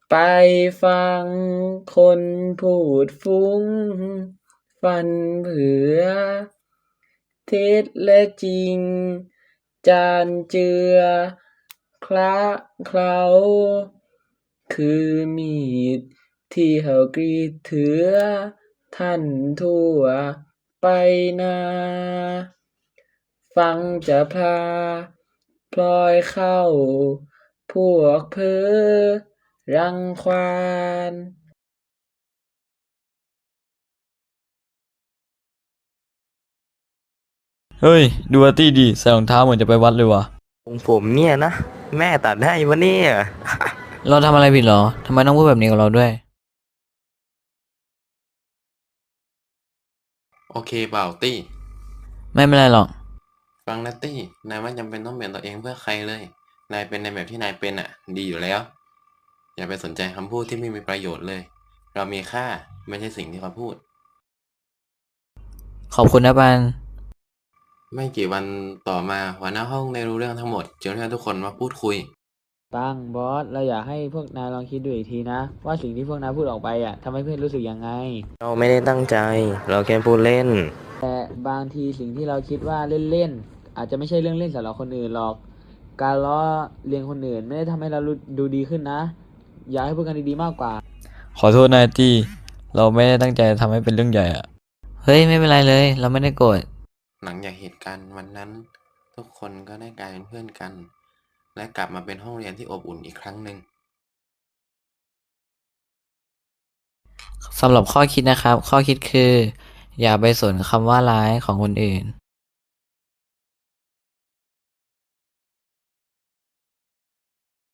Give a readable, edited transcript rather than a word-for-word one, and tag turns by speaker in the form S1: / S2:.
S1: ไปฟังคนพูดฟุ้งฟันเผือเท็จและจริงจานเจือคละเคล้าคือมีดที่เขากรีดเถือท่านทั่วไปนาฟังจะพลาพลอยเข้าพวกเพ้อรังควาน
S2: เฮ้ยดูอาร์ตี้ดิใส่รองเท้าเหมือนจะไปวัดเลยว่ะ
S3: ของผมเนี่ยนะแม่ตัดให้วะเนี่ย
S2: เราทำอะไรผิดเหรอทำไมต้องพูดแบบนี้กับเราด้วย
S4: โอเคเปล่าตี้
S2: ไม่เป็นไรหรอก
S4: ฟังนะตี้นายไม่จำเป็นต้องเปลี่ยนตัวเองเพื่อใครเลยนายเป็นในแบบที่นายเป็นอ่ะดีอยู่แล้วอย่าไปสนใจคำพูดที่ไม่มีประโยชน์เลยเรามีค่าไม่ใช่สิ่งที่เขาพูด
S2: ขอบคุณนะปัน
S4: ไม่กี่วันต่อมาหัวหน้าห้องได้รู้เรื่องทั้งหมดจึงเรียกทุกคนมาพูดคุย
S1: ปังบอสเราอยากให้พวกนายลองคิดดูอีกทีนะว่าสิ่งที่พวกนายพูดออกไปทำให้เพื่อนรู้สึกยังไง
S3: เราไม่ได้ตั้งใจ เราแค่พูดเล่น
S1: แต่บางทีสิ่งที่เราคิดว่าเล่นๆอาจจะไม่ใช่เรื่องเล่นสำหรับคนอื่นหรอกการล้อเลียนคนอื่นไม่ได้ทำให้เราดูดีขึ้นนะอยากให้พูดกันดีๆมากกว่า
S2: ขอโทษนายตี้เราไม่ได้ตั้งใจทำให้เป็นเรื่องใหญ่อะเฮ้ยไม่เป็นไรเลยเราไม่ได้โกรธ
S4: หลังจากเหตุการณ์วันนั้นทุกคนก็ได้กลายเป็นเพื่อนกันและกลับมาเป็นห้องเรียนที่อบอุ่นอีกครั้งหนึ่ง
S2: สำหรับข้อคิดนะครับข้อคิดคืออย่าไปสนคำว่าร้ายของคนอื่น